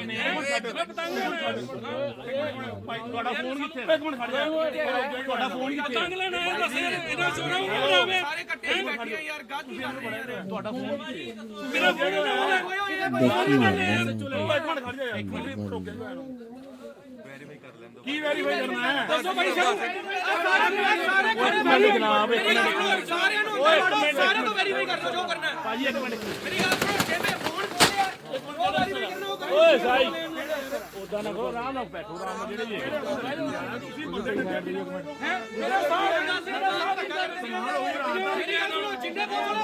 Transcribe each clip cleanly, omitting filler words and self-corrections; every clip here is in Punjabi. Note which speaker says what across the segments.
Speaker 1: ਤੁਹਾਡਾ ਫੋਨ ਕਿੱਥੇ? ਇੱਕ ਮਿੰਟ ਖੜ ਜਾ, ਤੁਹਾਡਾ ਫੋਨ ਕਿੱਥੇ? ਪਤੰਗ ਲੈਣਾ ਹੈ ਦੱਸ ਇਹਨਾਂ ਚੋਰਾਂ ਨੂੰ ਬਣਾਵੇ ਸਾਰੇ ਇਕੱਠੇ ਬੈਠੇ ਆ ਯਾਰ ਗਾਜੀ ਕਰ ਰਹੇ ਆ। ਤੁਹਾਡਾ ਫੋਨ ਕਿੱਥੇ? ਮੇਰਾ ਫੋਨ ਨਾ ਚਲੋ ਇੱਕ ਮਿੰਟ ਖੜ ਜਾ ਯਾਰ, ਇੱਕ ਮਿੰਟ ਰੁਕ ਜਾ। ਵੈਰੀਫਾਈ ਕਰ ਲੈਂਦੋ। ਕੀ ਵੈਰੀਫਾਈ ਕਰਨਾ ਹੈ ਦੱਸੋ ਭਾਈ ਸਾਹਿਬ। ਸਾਰੇ ਜਨਾਬ ਇੱਕ ਮਿੰਟ, ਸਾਰਿਆਂ ਨੂੰ ਸਾਰਿਆਂ ਤੋਂ ਵੈਰੀਫਾਈ ਕਰ ਲਓ ਜੋ ਕਰਨਾ ਹੈ ਭਾਜੀ। ਇੱਕ ਮਿੰਟ ਮੇਰੀ ਗੱਲ ਸੁਣੋ, ਜਿਹਨੇ ਫੋਨ ਖੋਲਿਆ ਉਹ ਵੈਰੀਫਾਈ ਕਰਨਾ ਉਹ ਕਰੋ। ਓਏ ਸਾਈ ਉਦਾਂ ਨਾ ਕਰੋ, ਆਰਾਮ ਨਾਲ ਬੈਠੋ, ਆਰਾਮ ਨਾਲ ਜਿਹੜੇ ਤੁਸੀਂ ਬੰਦੇ ਹੈ ਮੇਰਾ ਸਾਹ ਜਿੰਨੇ ਕੋਲ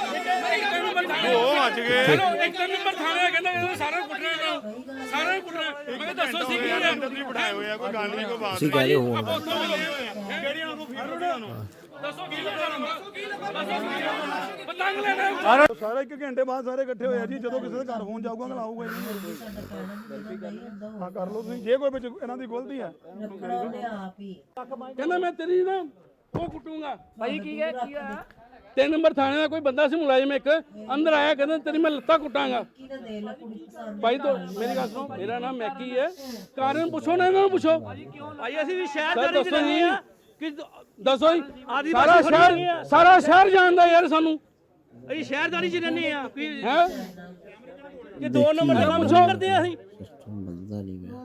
Speaker 1: ਉਹ ਅੱਜ ਗਏ ਇੱਕ ਨੰਬਰ ਥਾਣੇ ਕਹਿੰਦਾ ਸਾਰਾ ਕੁੱਟਣਾ ਸਾਰਾ ਕੁੱਟਣਾ। ਮੈਂ ਕਿਹਾ ਦੱਸੋ ਸੀ ਕੀ ਹੈ ਅੰਦਰ ਬਿਠਾਏ ਹੋਏ ਆ, ਕੋਈ ਗੱਲ ਨਹੀਂ ਕੋਈ ਬਾਤ
Speaker 2: ਤੁਸੀਂ ਕਹਦੇ ਹੋ
Speaker 1: ਕਿਹੜੀਆਂ ਨੂੰ ਫੀਲ ਨੂੰ ਦੱਸੋ ਕੀ ਲੱਗਾ ਪਤੰਗ ਲੈਣਾ
Speaker 3: ਸਾਰਾ 1 ਘੰਟੇ ਬਾਅਦ ਸਾਰੇ ਇਕੱਠੇ ਹੋਏ ਆ ਜੀ। ਜਦੋਂ ਕਿਸੇ ਦੇ ਘਰ ਫੋਨ ਜਾਊਗਾ ਅਗਲਾ ਆਊਗਾ ਹੀ ਨਹੀਂ। ਹਾਂ ਕਰ ਲਓ ਤੁਸੀਂ, ਜੇ ਕੋਈ ਵਿੱਚ ਇਹਨਾਂ ਦੀ ਗਲਤੀ ਹੈ
Speaker 1: ਕਹਿੰਦਾ ਮੈਂ ਤੇਰੀ ਨਾ ਉਹ ਕੁੱਟੂਗਾ। ਭਾਈ ਕੀ ਹੈ 3 ਨੰਬਰ ਥਾਣੇ ਦਾ ਕੋਈ ਬੰਦਾ ਸੀ ਮੁਲਾਜ਼ਮ ਇੱਕ ਅੰਦਰ ਆਇਆ, ਕਹਿੰਦਾ ਤੇਰੀ ਮੈਂ ਲੱਤਾਂ ਕੁੱਟਾਂਗਾ। ਭਾਈ ਤੋਂ ਮੇਰੀ ਗੱਲ ਸੁਣੋ, ਮੇਰਾ ਨਾਮ ਮੈਕੀ ਹੈ, ਕਾਰਨ ਪੁੱਛੋ ਨਾ ਇਹਨਾਂ ਨੂੰ ਪੁੱਛੋ।
Speaker 4: ਭਾਈ ਅਸੀਂ ਵੀ ਸ਼ਹਿਰਦਾਰੀ ਚ ਰਹਿੰਦੇ ਆ
Speaker 1: ਕਿ ਦੱਸੋ ਜੀ ਸਾਰਾ ਸ਼ਹਿਰ ਜਾਣਦਾ ਯਾਰ ਸਾਨੂੰ।
Speaker 4: ਅਸੀਂ ਸ਼ਹਿਰਦਾਰੀ ਚ ਰਹਿੰਦੇ ਆ ਕੋਈ
Speaker 1: ਹੈ
Speaker 4: ਕਿ 2 ਨੰਬਰ ਦਾ ਕੰਮ ਸ਼ੁਰੂ ਕਰਦੇ ਆ ਅਸੀਂ।
Speaker 2: ਬੰਦਾ ਨਹੀਂ ਮੈਂ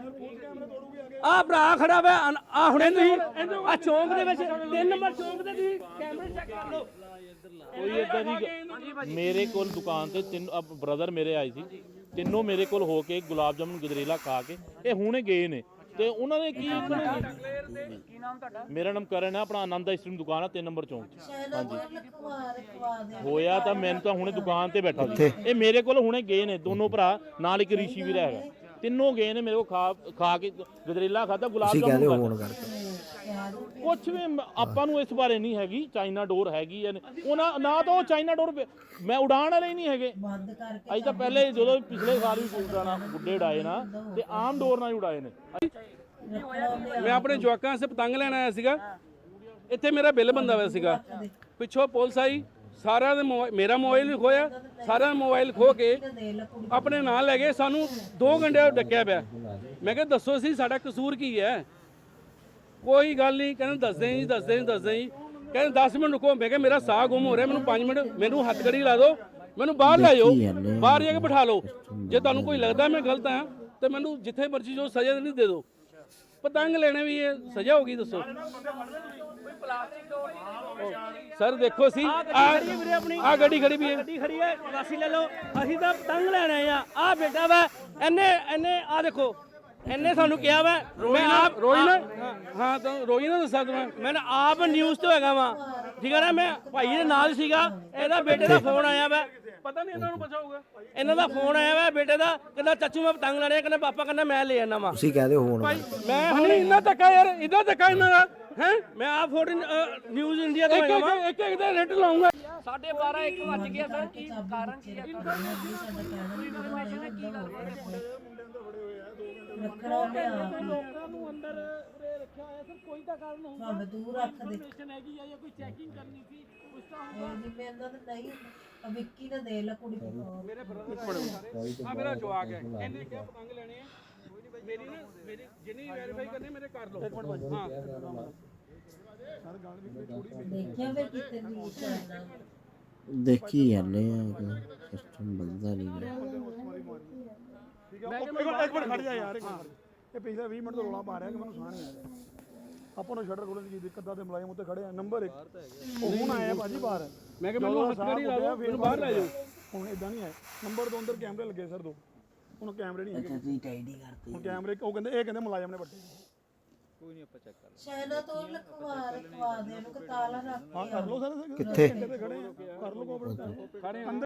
Speaker 4: ਆ ਭਰਾ ਖੜਾ ਵਾ ਆ ਹੁਣੇ ਤੁਸੀਂ ਆ ਚੌਂਕ ਦੇ ਵਿੱਚ 3 ਨੰਬਰ ਚੌਂਕ ਦੇ ਤੁਸੀਂ ਕੈਮਰੇ ਚੈੱਕ ਕਰ ਲਓ।
Speaker 5: ਕੋਈ ਇਦਾਂ ਦੀ ਮੇਰੇ ਕੋਲ ਦੁਕਾਨ ਤੇ ਤਿੰਨ ਬ੍ਰਦਰ ਮੇਰੇ ਆਏ ਸੀ, ਤਿੰਨੋਂ ਮੇਰੇ ਕੋਲ ਹੋ ਕੇ ਗੁਲਾਬ ਜਾਮੁਨ ਗਜਰੇਲਾ ਖਾ ਕੇ ਇਹ ਹੁਣੇ ਗਏ ਨੇ। ਤੇ ਉਹਨਾਂ ਨੇ ਕੀ ਨਾਮ ਤੁਹਾਡਾ? ਮੇਰਾ ਨਾਮ ਕਰਨ ਹੈ, ਆਪਣਾ ਆਨੰਦ ਆਈਸਕ੍ਰੀਮ ਦੁਕਾਨ ਆ 3 ਨੰਬਰ ਚੌਂਕ 'ਚ। ਹਾਂਜੀ ਹੋਇਆ ਤਾਂ ਮੈਨੂੰ ਤਾਂ ਹੁਣੇ ਦੁਕਾਨ ਤੇ ਬੈਠਾ ਸੀ, ਇਹ ਮੇਰੇ ਕੋਲ ਹੁਣੇ ਗਏ ਨੇ ਦੋਨੋਂ ਭਰਾ, ਨਾਲ ਇੱਕ ਰਿਸ਼ੀ ਵੀ ਹੈਗਾ, ਤਿੰਨੋਂ ਗਏ ਨੇ ਮੇਰੇ ਕੋਲ ਖਾ ਕੇ ਗਜਰੇਲਾ ਖਾਦਾ, ਗੁਲਾਬ ਜਾਮੁਨ ਕੁਛ ਵੀ ਆਪਾਂ ਨੂੰ ਇਸ ਬਾਰੇ ਨਹੀਂ ਹੈਗੀ। ਚਾਈਨਾ ਡੋਰ ਹੈਗੀ ਉਹਨਾਂ ਨਾ ਤਾਂ ਉਹ ਚਾਈਨਾ ਡੋਰ ਮੈਂ ਉਡਾਣ ਵਾਲੇ ਨਹੀਂ ਹੈਗੇ। ਅੱਜ ਤਾਂ ਪਹਿਲੇ ਜਦੋਂ ਪਿਛਲੇ ਸਾਲ ਵੀ ਗੁੱਡੇ ਉਡਾਏ ਨਾ ਤੇ ਆਮ ਡੋਰ ਨਾਲ ਹੀ ਉਡਾਏ ਨੇ।
Speaker 1: ਮੈਂ ਆਪਣੇ ਜਵਾਕਾਂ ਵਾਸਤੇ ਪਤੰਗ ਲੈਣ ਆਇਆ ਸੀਗਾ, ਇੱਥੇ ਮੇਰਾ ਬਿੱਲ ਬੰਦਾ ਹੋਇਆ ਸੀਗਾ, ਪਿੱਛੋਂ ਪੁਲਿਸ ਆਈ, ਸਾਰਿਆਂ ਦੇ ਮੇਰਾ ਮੋਬਾਈਲ ਵੀ ਖੋਇਆ, ਸਾਰਿਆਂ ਦਾ ਮੋਬਾਈਲ ਖੋ ਕੇ ਆਪਣੇ ਨਾਲ ਲੈ ਗਏ। ਸਾਨੂੰ 2 ਘੰਟੇ ਡੱਕਿਆ ਪਿਆ। ਮੈਂ ਕਿਹਾ ਦੱਸੋ ਸੀ ਸਾਡਾ ਕਸੂਰ ਕੀ ਹੈ? ਕੋਈ ਗੱਲ ਨਹੀਂ, ਕਹਿੰਦੇ ਦੱਸਦੇ ਜੀ ਕਹਿੰਦੇ 10 ਮਿੰਟ ਰੁਕੋ। ਮੈਂ ਕਿਹਾ ਮੇਰਾ ਸਾਹ ਗੁੰਮ ਹੋ ਰਿਹਾ, ਮੈਨੂੰ 5 ਮਿੰਟ ਮੈਨੂੰ ਹੱਥਕੜੀ ਲਾ ਦਿਓ, ਮੈਨੂੰ ਬਾਹਰ ਲੈ ਜਾਓ, ਬਾਹਰ ਜਾ ਕੇ ਬਿਠਾ ਲਓ। ਜੇ ਤੁਹਾਨੂੰ ਕੋਈ ਲੱਗਦਾ ਮੈਂ ਗਲਤ ਹਾਂ ਤੇ ਮੈਨੂੰ ਜਿੱਥੇ ਮਰਜ਼ੀ ਜੋ ਸਜ਼ਾ ਨਹੀਂ ਦੇ ਦਿਓ। ਪਤੰਗ ਲੈਣੇ ਵੀ ਇਹ ਸਜ਼ਾ ਹੋਗੀ ਦੱਸੋ ਸਰ? ਦੇਖੋ ਸੀ ਆ ਗੱਡੀ ਖੜੀ ਵੀ ਹੈ,
Speaker 4: ਗੱਡੀ ਖੜੀ ਹੈ, ਵਾਸੀ ਲੈ ਲਓ। ਅਸੀਂ ਤਾਂ ਪਤੰਗ ਲੈਣੇ ਆ ਬੇਟਾ ਵਾ ਇਹਨੇ ਆ ਦੇਖੋ ਇਹਨੇ ਸਾਨੂੰ ਕਿਹਾ ਵਾ। ਮੈਂ ਆਪ
Speaker 1: ਰੋਈ ਨਾ ਹਾਂ ਤਾਂ ਰੋਈ ਨਾ ਦੱਸਾਂ
Speaker 4: ਮੈਂ ਆਪ ਨਿਊਜ਼ ਤੋਂ ਹੈਗਾ ਵਾ, ਠੀਕ ਹੈ ਨਾ। ਮੈਂ ਭਾਈ ਦੇ ਨਾਲ ਸੀਗਾ, ਇਹਦਾ ਬੇਟੇ ਦਾ ਫੋਨ ਆਇਆ ਵਾ,
Speaker 1: ਪਤਾ ਨਹੀਂ ਇਹਨਾਂ ਨੂੰ ਬਚਾਊਗਾ।
Speaker 4: ਇਹਨਾਂ ਦਾ ਫੋਨ ਆਇਆ ਵਾ ਬੇਟੇ ਦਾ, ਕਹਿੰਦਾ ਚਾਚੂ ਮੈਂ ਪਤੰਗ ਲੈਣੇ, ਕਹਿੰਦਾ ਪਾਪਾ ਕਹਿੰਦਾ ਮੈਂ ਲੈ ਆਣਾ ਵਾ।
Speaker 2: ਤੁਸੀਂ ਕਹਦੇ ਹੋ
Speaker 1: ਭਾਈ ਮੈਂ ਹੁਣ ਇੰਨਾ ਧੱਕਾ ਯਾਰ, ਇਦਾਂ ਧੱਕਾ ਇਹਨਾਂ ਦਾ ਹੈ।
Speaker 4: ਮੈਂ ਆਪ ਫੋਟੋ ਨਿਊਜ਼ ਇੰਡੀਆ ਤੋਂ ਹੈਗਾ ਵਾ।
Speaker 1: ਇੱਕ ਦਾ ਰੇਟ ਲਾਉਂਗਾ।
Speaker 4: 12:30 1 ਵੱਜ ਗਿਆ ਸਰ, ਕੀ ਕਾਰਨ ਕੀ ਹੈ?
Speaker 1: ਲੋਕਾਂ ਨੂੰ ਅੰਦਰ ਰੱਖਿਆ ਹੋਇਆ ਸਰ, ਕੋਈ ਤਾਂ ਕਾਰਨ ਹੋਊਗਾ।
Speaker 6: ਦੂਰ ਰੱਖ ਦੇ
Speaker 1: ਹੈਗੀ ਜਾਂ ਕੋਈ ਚੈਕਿੰਗ ਕਰਨੀ ਸੀ ਕੁਝ ਤਾਂ
Speaker 6: ਨਹੀਂ ਵਿੱਕੀ ਨੇ ਦੇ ਲਾ ਕੁੜੀ
Speaker 1: ਮੇਰੇ ਆ ਮੇਰਾ ਜਵਾਕ ਹੈ, ਇਹਨੇ ਕਿਹਾ ਪਤੰਗ ਲੈਣੇ ਆ। ਮੇਰੀ ਨਾ ਮੇਰੀ ਜਿੰਨੀ ਵੈਰੀਫਾਈ ਕਰਨੀ ਮੇਰੇ ਕਰ ਲਓ। ਹਾਂ
Speaker 6: ਦੇਖਿਆ ਫਿਰ ਕਿਤੇ ਨਹੀਂ ਕਰਨਾ।
Speaker 2: ਦੇਖੀ ਜਾਂਦੇ ਆ ਸਿਸਟਮ ਬੰਦਾ ਨਹੀਂ ਮੈਂ
Speaker 3: ਇੱਕ ਮਿੰਟ ਖੜ ਜਾ ਯਾਰ। ਇਹ ਪਿਛਲੇ 20 ਮਿੰਟ ਤੋਂ ਰੌਲਾ ਪਾ ਰਿਹਾ ਕਿ ਮੈਨੂੰ ਸਾਹ ਨਹੀਂ ਆ ਰਿਹਾ। ਆਪਾਂ ਨੂੰ ਸ਼ਟਰ ਖੋਲਣ ਦੀ ਕੀ ਦਿੱਕਤ ਆ ਤੇ ਮੁਲਾਜ਼ਮ ਉੱਤੇ ਖੜੇ ਆ। ਨੰਬਰ 1 ਉਹ ਹੁਣ ਆਇਆ ਭਾਜੀ ਬਾਹਰ।
Speaker 1: ਮੈਂ ਕਿਹਾ ਮੈਨੂੰ ਹੱਥਕੜੀ ਲਾ ਦਿਓ, ਮੈਨੂੰ ਬਾਹਰ ਲੈ ਜਾਓ।
Speaker 3: ਹੁਣ ਇਦਾਂ ਨਹੀਂ ਆਏ। ਨੰਬਰ 2 ਅੰਦਰ ਕੈਮਰੇ ਲੱਗੇ ਸਰ 2, ਹੁਣ ਕੈਮਰੇ ਨਹੀਂ ਹੈਗੇ।
Speaker 2: ਤੁਸੀਂ ਟਾਈਡੀ ਕਰਤੇ
Speaker 3: ਹੁਣ ਕੈਮਰੇ ਉਹ ਕਹਿੰਦੇ ਮੁਲਾਜ਼ਮ ਨੇ ਵੱਟੇ।
Speaker 5: ਕੋਈ ਨਹੀਂ ਆਪਾਂ ਚੈੱਕ ਕਰ
Speaker 6: ਸ਼ਾਇਨਾ ਤੋਂ ਰਖਵਾ ਦੇ ਨੂੰ ਤਾਲਾ ਰੱਖ
Speaker 3: ਹਾਂ ਕਰ ਲਓ ਸਰ,
Speaker 2: ਕਿੱਥੇ
Speaker 3: ਖੜੇ ਆ, ਕਰ ਲਓ ਕੋਆਪਰੇਟ।